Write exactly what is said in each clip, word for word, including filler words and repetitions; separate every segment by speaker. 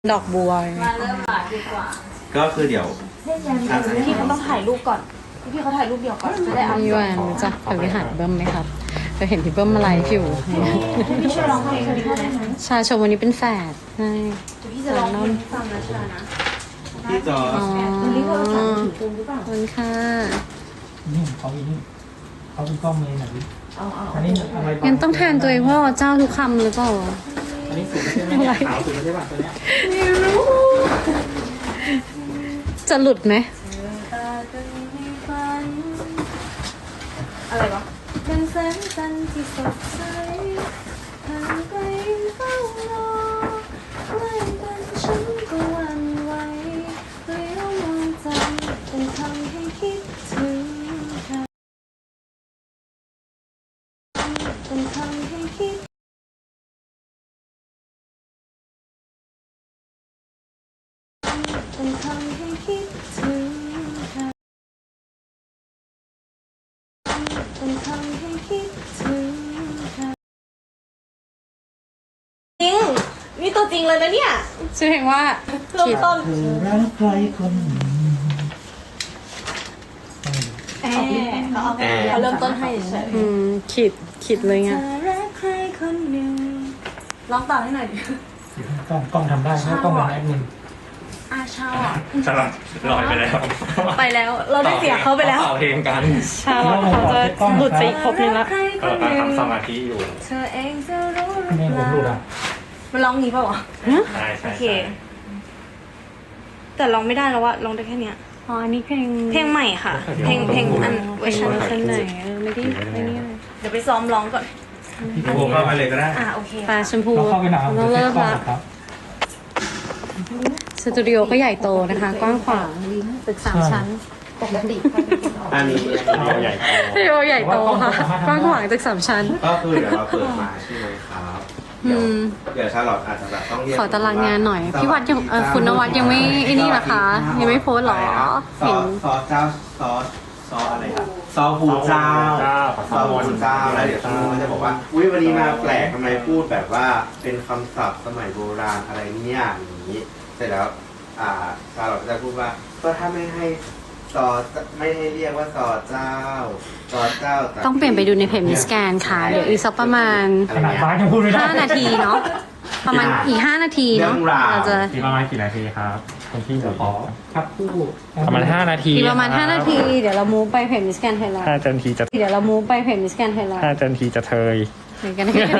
Speaker 1: ดอกบัว
Speaker 2: มาเริ่มหาดีกว่า
Speaker 3: ก็คือเดี๋ยว
Speaker 2: พี่เขาต้องถ่ายรูปก่อนพี่เขาถ่ายรูปเดียวก่อนจะได้อัพ
Speaker 1: พี่แวนรู้จักปริหารเบิ้มไหมครับเคยเห็นพี่เบิ้มมาไลฟ์อยู่
Speaker 2: พี่ช่วยร้องเพลงให้ได้ไหม
Speaker 1: ชาชมวันนี้เป็นแฝดใช่
Speaker 2: พี่จะร้องเพลงฟังนะชานะ
Speaker 3: พี่จอ
Speaker 1: อ๋อ
Speaker 2: วันนี้เขาถ่ายถึงตรงหรือเปล่า
Speaker 1: ขอบคุณค่ะ
Speaker 4: นี่เขาอีนี่เขาเป็นกล้องเมย์หน่อยดิ
Speaker 2: เอาเอา
Speaker 4: อันนี้อะไร
Speaker 1: งั้นต้องแทนตัวเองว่าเจ้าทุกคำหรือเปล่า
Speaker 4: อันนี้สุดใช่ไหมขาวสุดใช่ป่ะตัวเนี้ย
Speaker 2: ไม่รู้
Speaker 1: จะหลุดไหม
Speaker 2: อะไรวะเป็นแสงจันทร์ที่สดใสห่างไกลเฝ้ารอใกล้กันฉันก็หวั่นไหวเลี้ยวมองจันทร์เป็นทำให้คิดถึงเธอเป็นทำให้คิดเป็นทำให้คิดถึงเธอเป็นทำให้คิดถึงเธอจริงนี่ตัวจริงเลยนะเนี่ย
Speaker 1: ชื่อเพลงว่า
Speaker 2: เริ่มต้น
Speaker 4: เธอรักใครคนหนึ่ง
Speaker 2: แอร์เขาเอาเขาเริ่มต้นให้เฉย
Speaker 1: อืมขีดขีดเลยไง
Speaker 2: เธอรักใครคนหนึ่งร้องต่อให้หน่อยดิ
Speaker 4: กล้องกล้องทำได้ไม่ต้องเป็นแอดมิน
Speaker 2: อาชาอ่ะ
Speaker 5: ฉลาดลอยไปแล้ว
Speaker 2: ไปแล้วเราได้เสียเขาไปแล้ว
Speaker 5: ต่อเพลงกัน
Speaker 1: ชาลอตเขาจะหลุดไปอีกครบนึงละ
Speaker 2: ใครค
Speaker 5: ก็
Speaker 2: นห
Speaker 5: ตั้ง
Speaker 2: นึ่ง
Speaker 5: ทำสมาธิอยู่
Speaker 2: เธอเองจะรู้หรือ
Speaker 4: ไม่
Speaker 2: เป
Speaker 4: ผม
Speaker 2: ล่า
Speaker 4: ดูอ่ะ
Speaker 2: มันร้องงี้เปล่าวะ
Speaker 5: ใช่ใช่
Speaker 2: โอเค
Speaker 5: ใช่
Speaker 2: แต่ร้องไม่ได้แล้วว่าร้องได้แค่เนี้ย
Speaker 1: อ๋ออันนี้เพลง
Speaker 2: เพลงใหม่ค่ะ เพลงเพลงอันเวอร์ชัน
Speaker 1: เวอร์ชันไหนเออไม่ได้ไม่นี่เลย
Speaker 2: เดี๋ยวไปซ้อมร้องก่อน
Speaker 3: พี่โบเข้ามาเลยก็ได้
Speaker 2: อ่าโอเค
Speaker 1: ปลาชมพู
Speaker 4: เราเข้าไปหนา
Speaker 1: ต้องเริ่ม
Speaker 4: กล้อง
Speaker 1: ละ
Speaker 4: ครับ
Speaker 1: สตูดิโอก็ใหญ่โตนะคะ กว้างขวางตึกสามชั้น
Speaker 3: อันนี้
Speaker 5: เอาใหญ่โต
Speaker 1: สตูดิโอใหญ่โตค่ะ กว้างขวางตึกสามชั้น
Speaker 3: ก็คือเดี๋ยวเราเปิดมาใช่ไหมครับเดี๋ยว
Speaker 1: อืม
Speaker 3: เดี๋ยวชาลอตอาจจะแบบต้องเรียก
Speaker 1: ขอตารางงานหน่อย พี่วัดยังเออคุณนวัดยังไม่ไอ้นี่เหรอคะ ยังไม่โพสต์เหรอ
Speaker 3: ซอ
Speaker 1: เห็น
Speaker 3: ซอเจ้าซอซออะไรครับซอผูเจ้าซอผูเจ้าแล้วเดี๋ยวคุณก็จะบอกว่าอุ้ยวันนี้มาแปลกทำไมพูดแบบว่าเป็นคำศัพท์สมัยโบราณอะไรเนี่ยอย่างนี้เสร็จแล้วอ่าชาลอตก็จะพูดว่าก็ถ้าไม่ให้ซอไม่ให้เรียกว่าซอเจ้าซอเจ้า
Speaker 1: ต้องเปลี่ยนไปดูในเพจมิสแกนค่ะ เดี๋ยวอีกสักประมาณ
Speaker 4: ขนาดฟ้ายังพูดไม่ได้
Speaker 1: ห้านาทีเนาะ ประมาณอีกห้านาทีเนาะเราจะ
Speaker 5: อีกประมาณกี่นาทีครับคนที่จะขอ
Speaker 4: ครับคู่
Speaker 5: ประมาณห้านาที
Speaker 1: อีกประมาณห้านาที เดี๋ยวเรามูฟไปเพจมิสแกนไทยแลน
Speaker 5: ห้า
Speaker 1: ด์
Speaker 5: นาทีจะ
Speaker 1: เดี๋ยวเรามูฟไปเพจมิสแกนไทยแลนด์
Speaker 5: ห้านาทีจะเทย
Speaker 1: เดี๋ยวกันนะ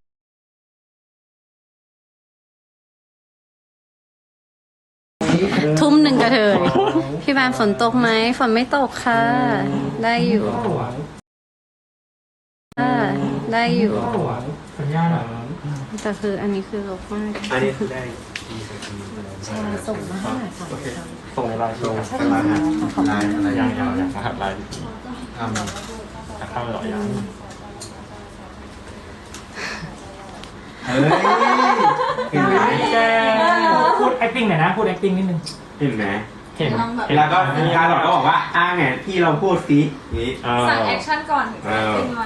Speaker 1: ทุ่มหนึ่งกระเทยพี่แบมฝนตกไหมฝนไม่ตกค่ะ ได้อยู่ค่ะได้อยู่
Speaker 4: สัญญาณอ่ะ
Speaker 1: แต่คืออันนี้คือลบมาก
Speaker 3: อันนี้คือได้
Speaker 1: ส่งมาให้หน่อยค่ะ
Speaker 5: โอเคส่งในไลน์ส่ง
Speaker 3: ลายลายอะไร
Speaker 5: ยังยังยังรหัสไลน์
Speaker 3: ทำ
Speaker 5: จะเข้าหรอยัง
Speaker 3: เฮ้ยเห็นไหม
Speaker 4: แกพูด acting หน่อยนะพูด acting นิดนึง
Speaker 3: เห็นไหม
Speaker 4: เห็น
Speaker 3: แล้วก็การหลอกก็บอกว่าอ้าไงพี่เราพูดซินี้
Speaker 2: สั่งแอคชั่นก่อนถึงจะขึ้นมา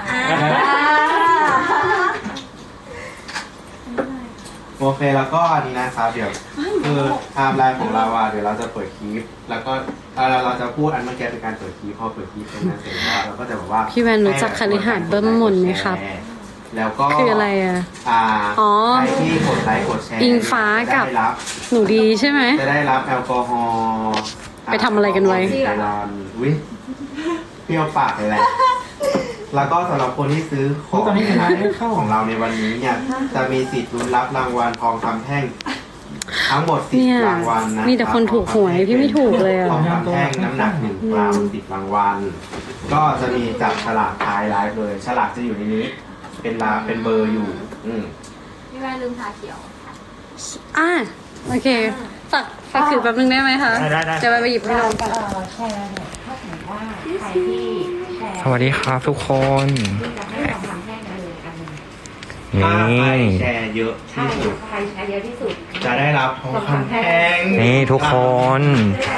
Speaker 3: โอเคแล้วก็อันนี้นะครับเดี๋ยวคือไทม์ไลน์ของเราอ่ะเดี๋ยวเราจะเปิดคลิป แล้วก็เราเราจะพูดอันเมื่อกี้เป็นการเปิดคลิปพอเปิดคลิปเป็นนั้นเสร็จแล้วเราก็จะบอกว่า
Speaker 1: พี่แวนรู้จักคฤหาสน์เบิ้มมนไหมครับ
Speaker 3: แล้วก็
Speaker 1: คืออะไรอ่ะ
Speaker 3: อ่า
Speaker 1: อ๋อ
Speaker 3: ใครที่กดไลค์กดแชร์
Speaker 1: อิงฟ้ากับ
Speaker 3: จะได้รับ
Speaker 1: หนูดีใช่ไหม
Speaker 3: จะได้รับแอลกอฮอล์
Speaker 1: ไปทำอะไรกันไว้
Speaker 3: ไกลอนอุ้ยเปรี้ยวปากเลยแหละ แล้วก็สำหรับคนที่ซื้อของ
Speaker 4: ตอนนี้เห็นไหมเข้า
Speaker 3: ของเราในวันนี้เนี่ย จะมีสิทธิ์ลุ้นรับรางวัลทองคำแท่ง ทั้งหมดสิบ
Speaker 1: เนี่ย
Speaker 3: รางวัลนะ
Speaker 1: มีแต่คนถูกหวยพี่ไม่ถูกเลยอ่ะ
Speaker 3: ทองคำแท่งน้ำหนักหนึ่งกรัมสิบรางวัล ก็จะมีจับฉลากท้ายไลฟ์เลย ฉลากจะอยู่ในนี้ เป็นลาเป็นเบอร์อยู่ อืม
Speaker 2: พี่แม่ลืมทาเขียว
Speaker 1: อ่ะโอเคฝากฝากถือแป๊บนึงได้ไหมคะ
Speaker 5: ได้ได้
Speaker 1: จะไปไปหยิบให้น้องก่อน
Speaker 6: แชร์เนี่ยถ้าสมมติว่าใครที่แชร์
Speaker 5: สวัสดีครับทุกคน
Speaker 6: ที่จะให้ทองคำแท่งกันเลยอันหนึง
Speaker 5: นี่
Speaker 3: ถ้าใครแชร์เยอะ
Speaker 6: ใช่
Speaker 3: ที่สุด
Speaker 6: ใครแชร์เยอะที่สุด
Speaker 3: จะได้รับทองคำแท่ง
Speaker 5: นี่ทุกคน
Speaker 6: ได้แล้ว
Speaker 5: ก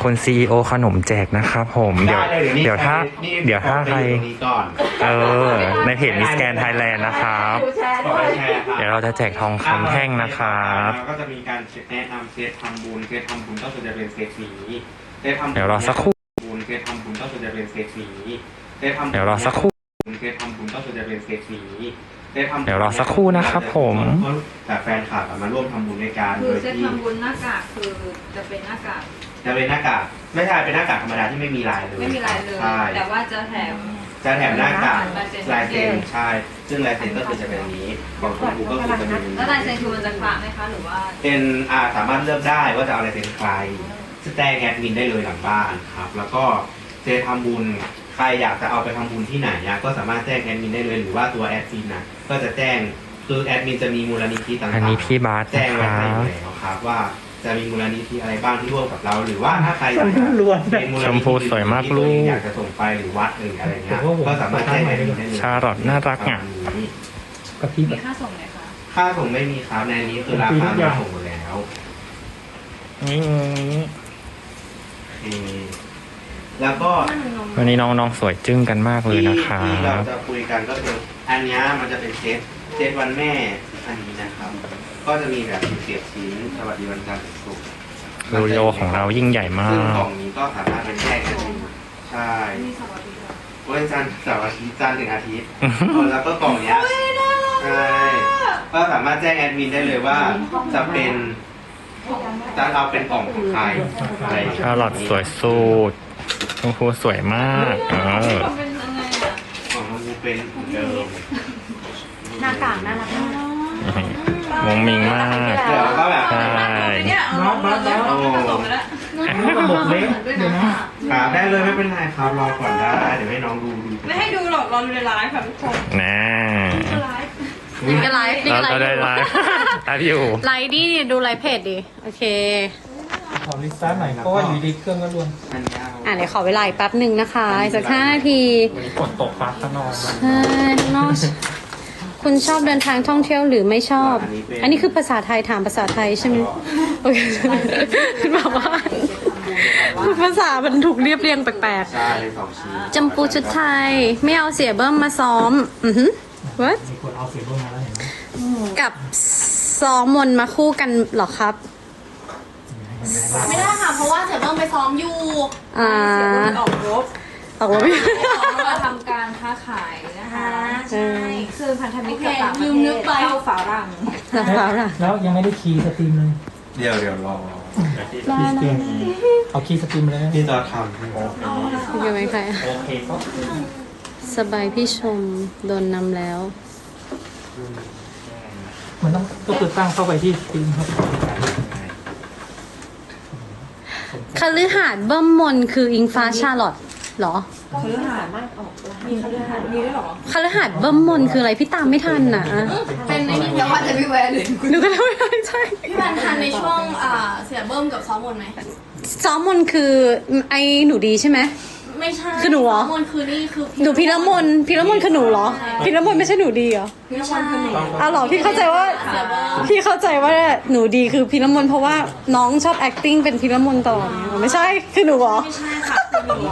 Speaker 5: คุณ ซี อี โอ ขนมแจกนะครับผมเดี๋ยว
Speaker 3: ได้ลนี่
Speaker 5: เดี๋ยวถ้า
Speaker 3: นี่
Speaker 5: เดี๋ยวถ้าใคร
Speaker 3: ตรงนี้ก่อน
Speaker 5: เออในเพจมิสแกนไทยแลนด์นะครับ
Speaker 3: ต่อไปแชร์ครับ
Speaker 5: เดี๋ยวเราจะแจกทองคำแท่งนะครับ
Speaker 3: แล้วก็จะมีการแนะนำเซตทำบุญเซตทำบุญก็คือจะเป็นเซตนี้เซตทำบุญ
Speaker 5: เดี๋ยวรอสักครู่
Speaker 3: บุญเซตทำบุญก็คือจะเป็นเซตนี้เซตทำบุญ
Speaker 5: เดี๋ยวรอสักครู่
Speaker 3: เซตทำบุญก็คือจะเป็นเซตนี้เซตทำบุญ
Speaker 5: เดี๋ยวรอสักครู่นะครับผม
Speaker 3: แต่แฟนคลับมาร่วมทำบุญในการ
Speaker 2: คื
Speaker 3: โด
Speaker 2: อย เซต
Speaker 3: ที่
Speaker 2: ทำบุญหน้ากากคือจะเป็นหน้ากาก
Speaker 3: จะเป็นหน้ากากไม่ใช่เป็นหน้ากากธรรมดาที่ไม่มีลายเลย
Speaker 2: ไม่มีลายเลย
Speaker 3: ใช่
Speaker 2: แต่ว่าจะแถม
Speaker 3: จะแถมหน้ากาก
Speaker 2: ลายเซ็น
Speaker 3: ลายเซ็นใช่ซึ่งลายเซ็นก็คือจะเป็นอย่างนี้ของคุณครูก็คือจะเป็น
Speaker 2: แล้วลายเซ็นคือมันจะคละไหมคะหรือว่า
Speaker 3: เป็นอ่าสามารถเลือกได้ว่าจะเอาลายเซ็นใครแจ้งแอดมินได้เลยหลังบ้านครับแล้วก็เซตทำบุญใครอยากจะเอาไปทำบุญที่ไหนอะก็สามารถแจ้งแอดมินได้เลยหรือว่าตัวแอดมินนะก็จะแจ้งคือแอดมินจะมีมูลนิธิต่างๆ
Speaker 5: อันนี้พี่บาส
Speaker 3: แจ้ง
Speaker 5: นะค
Speaker 3: ไว้
Speaker 5: รั
Speaker 3: ให้อยู่
Speaker 5: บ
Speaker 3: แล้วครับว่าจะมีมูลนิธิอะไรบ้างที่ร่วมกับเรา หรือว่าถ้าใครอยากจะ
Speaker 4: ล้วน
Speaker 3: เป็นมูล
Speaker 5: ช
Speaker 3: นิ
Speaker 5: ม
Speaker 3: ธิ
Speaker 5: พูสวยมากลูก
Speaker 3: อยากจะส่งไปหรือวัดหรืออะไรเงี้ยก็สามารถแจ้งแอดมินได้เลย
Speaker 5: ชาลอตน่ารักอ่ะ
Speaker 4: กะทิแบ
Speaker 2: มี
Speaker 4: บ
Speaker 2: ค่าส่งไหมคะ
Speaker 3: ค่าส่งไม่มีครับในนี้คือราคาไม่ส่งหมดแล้ว
Speaker 5: นี่
Speaker 3: โอเคแล้วก็
Speaker 5: วันนี้น้องๆสวยจึ้งกันมากเลย
Speaker 3: ที่
Speaker 5: นะครั
Speaker 3: ที่เรา
Speaker 5: บ
Speaker 3: จะคุยกันก็คืออันเนี้ยมันจะเป็นเซตเซตวันแม่อันนี้นะครับ ก็จะมีแบบสิบเจ็ดชิ้นสวัสดีวันจันทร์ถึงศุกร์
Speaker 5: โรโยของเรายิ่งใหญ่มา
Speaker 3: ซึ่งกล่
Speaker 5: ก
Speaker 3: องนี้ก็สามารถเป็นแยกกันได้ใช่วันจันทร์เสาร์อาทิตย์จันทร์ถึงอาทิตย์เออแล้วก็กล่องเนี้ยใช่ก็สามารถแจ้งแอดมินได้เลยว่าจะเป็นจะเอาเป็นกล่องของใครอะไรอย่างเงี้ย
Speaker 5: ชาลอตสวยสุดชมพูสวยมากเออ
Speaker 2: เป็นยังไงอ่ะ
Speaker 3: ของมันเป็นเหมือนเดิม
Speaker 6: หน้ากากน่ารักมาก
Speaker 5: มงมิงมาก
Speaker 3: เดี๋ยวก็แบบ
Speaker 5: ใช่
Speaker 2: เนี่ยเอาเราจะผสมไปแล้ว
Speaker 4: ระบบเล็กเดี๋ยวนะ
Speaker 3: ครับได้เลยไม่เป็นไรครับรอก่อนได้เดี๋ยวให้น้องดูดู
Speaker 2: ไม่ให้ดูหรอกเราดูในไลฟ์ค่ะทุกคน
Speaker 5: นะ
Speaker 2: ไลฟ์
Speaker 1: นี่ก็ไลฟ์นี่
Speaker 5: เรา
Speaker 1: ก็ไล
Speaker 5: เรา
Speaker 1: ฟ์
Speaker 5: ได้ไลฟ์ไลฟ์อยู่
Speaker 1: ไลฟ์ดิดูไลฟ์เพจดิ โอเค
Speaker 4: ขอลิสต์หน่อยเพราะว่าอยู่ดีเครื่องก็รวน
Speaker 3: อันนี้เอา
Speaker 1: อ่ะเดี๋ยวขอเวลาอีกแป๊บหนึ่งนะคะอีกสักห้านาที
Speaker 4: วันนี้ฝนตกฟ้าข้างนอก
Speaker 1: ใช่นอกคุณชอบเดินทางท่องเที่ยวหรือไม่ชอบ อันนี้คือภาษาไทยถามภาษาไทยใช่ไหมโอเคคุณบอกว่า ภาษามันถูกเรียบเรียงแปลก
Speaker 3: ใช่สองชิ้น
Speaker 1: ๆจำปูชุดไทย ไม่เอาเสียเบิ้มมาซ้อม อือหือ what
Speaker 4: มีคนเอาเสียบมาแล้วเห็นไหม
Speaker 1: กับซ้อมมนต์มาคู่กันเหรอครับ
Speaker 6: ไม่ได้ค่ะ เพราะว่าเสือเบิ้มไปซ้อมอยู่
Speaker 1: อ่า
Speaker 2: ออกรบ
Speaker 1: ตกลงไม่
Speaker 2: มาทำการค้าขายนะคะ
Speaker 6: ใช่
Speaker 2: คือพันธมิตรกับต่างประ
Speaker 6: ลื
Speaker 2: เท
Speaker 6: มนึก
Speaker 2: ศ
Speaker 6: ไป
Speaker 2: เข้าฝารั่ง
Speaker 1: แล้วล่ะ
Speaker 4: แล้วยังไม่ได้คีย์สตรีมเลย
Speaker 3: เดี๋ยวเดี๋ยวรอ
Speaker 4: คีย์สตรีมเอาคีย์สตรีมเลยนะ
Speaker 3: ที่จะทำให้
Speaker 1: อยู่ไหมใคร
Speaker 4: โอเคก็
Speaker 1: สบายพี่ชมโดนนำแล้ว
Speaker 4: มันต้องก็คือตั้งเข้าไปที่สตรีมครับ
Speaker 1: คฤหาสน์เบิ้มมนคืออิงฟ้าชาลอตเหรอ
Speaker 2: คฤหาสน์มีคฤหาสน์มีด้วยเหรอ
Speaker 1: คฤหาสน์เบิ้มมนคืออะไรพี่ตามไม่ทันน่ะ
Speaker 6: เป็นในนี้
Speaker 2: แต่ว่าจะไม่แวะเลย
Speaker 1: หนูก็ไม่ได้ใช่
Speaker 6: พี่บันทันในช่วงอ่าเสือเบิ้มกับซ้อมมนต์ไหม
Speaker 1: ซ้อมมนคือไอ้หนูดีใช่ไหม
Speaker 6: ไม่ใช่
Speaker 1: คือหนูเหรอ
Speaker 6: ซ้อมมนต์คือนี่คือ
Speaker 1: หนูพีระมนพีระมนคือหนูเหรอพีระมนไม่ใช่หนูดีเหรอ
Speaker 6: ไม่ใช่
Speaker 1: อ้าวเหรอพี่เข้าใจว่า
Speaker 6: เสือเบิ้ม
Speaker 1: พี่เข้าใจว่าหนูดีคือพีระมนเพราะว่าน้องชอบ acting เป็นพีระมนตลอดไงไม่ใช่คือหนูเหรอ
Speaker 6: ไม่ใช่ค่ะคือหนู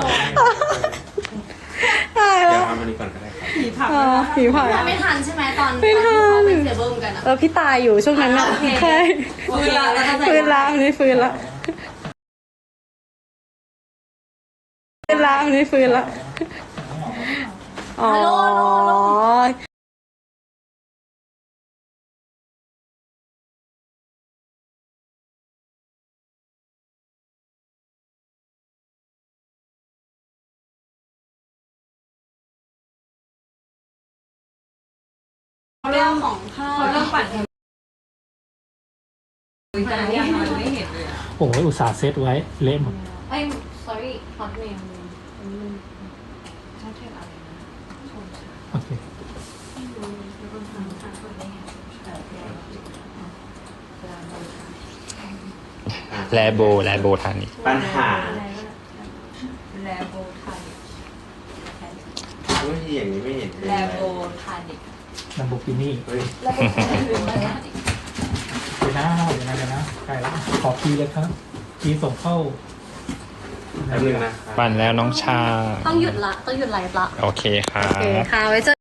Speaker 1: ตาย
Speaker 3: เดี๋
Speaker 1: แล้
Speaker 3: ยว
Speaker 1: ว
Speaker 3: ทำอันนี้ก่อนก็ได้ครับ
Speaker 1: อ๋อผีผ่าน
Speaker 6: ไม่ทันใช่ไหมตอน
Speaker 1: ไม่ทัน
Speaker 6: ตอที่เขาเป็นเสือเบิ้มกันอะ
Speaker 1: เออพี่ตายอยู่ช่วงนั้นน่ะใช่
Speaker 6: ฟื้นละแล้วก็
Speaker 1: ฟื้นละอันนี้ฟื้นละฟื้นละอันนี้ฟื้นละอ๋อ
Speaker 6: เรื่องของข้าว
Speaker 2: เขาเริ่มปั่นแต่ยังไม่เห็นเลยอะ
Speaker 4: โอ้ยอุตส่าห์เซตไว้เละหมด
Speaker 6: เอ้ย sorry hotmail
Speaker 4: โอเค
Speaker 5: แลโบแลโบทานิ
Speaker 3: ปัญหา
Speaker 2: แลโบทานิก
Speaker 3: วิธีอย่างนี้ไม่เห็นเป็น
Speaker 2: แล
Speaker 3: ไร
Speaker 2: โบทานิก
Speaker 4: ลัมโบกินี่
Speaker 3: เฮ้ย
Speaker 4: เดี๋ยวนะเดี๋ยวนะเดี๋ยวนะใกล้ละขอคีย์เลยครับคีย์ส่งเข้า
Speaker 3: แป๊บนึงนะ
Speaker 5: ปั่นแล้วน้องชา
Speaker 1: ต้องหยุดละ ต้องหยุดไลฟ์ละ
Speaker 5: โอเคครั
Speaker 1: โอเค
Speaker 5: บ
Speaker 1: ค่ะ ไว้เจอ